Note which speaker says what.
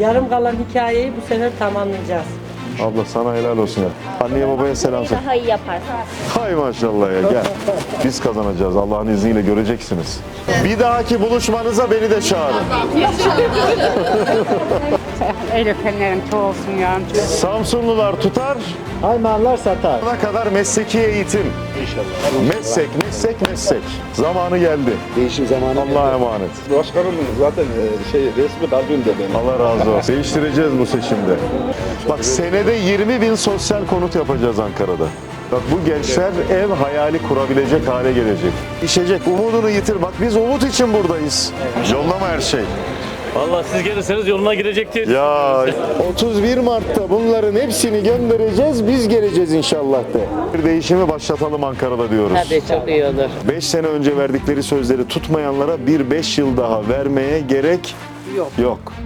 Speaker 1: Yarım kalan hikayeyi bu sefer tamamlayacağız.
Speaker 2: Abla sana helal olsun ya. Anneye babaya selam söyle.
Speaker 3: Daha iyi yapar.
Speaker 2: Hay maşallah ya gel. Biz kazanacağız Allah'ın izniyle göreceksiniz. Bir dahaki buluşmanıza beni de çağırın.
Speaker 4: El öpenlerin çoğu olsun ya.
Speaker 2: Samsunlular tutar,
Speaker 5: Haymanlar satar.
Speaker 2: ne kadar mesleki eğitim. İnşallah. Meslek. Zamanı geldi.
Speaker 5: Değişim zamanı.
Speaker 2: Allah'a emanet.
Speaker 6: Başkanımın zaten resmi kalbimde benim.
Speaker 2: Allah razı olsun. Değiştireceğiz bu seçimde. Bak senede 20.000 sosyal konut yapacağız Ankara'da. Bak bu gençler ev hayali kurabilecek hale gelecek. İşecek, umudunu yitir. Bak biz umut için buradayız. Yollama her şey.
Speaker 7: Vallahi siz gelirseniz yoluna girecektir.
Speaker 2: Ya 31 Mart'ta bunların hepsini göndereceğiz, biz geleceğiz inşallah de. Bir değişimi başlatalım Ankara'da diyoruz.
Speaker 1: Tabii çok iyi olur.
Speaker 2: 5 sene önce verdikleri sözleri tutmayanlara bir 5 yıl daha vermeye gerek yok.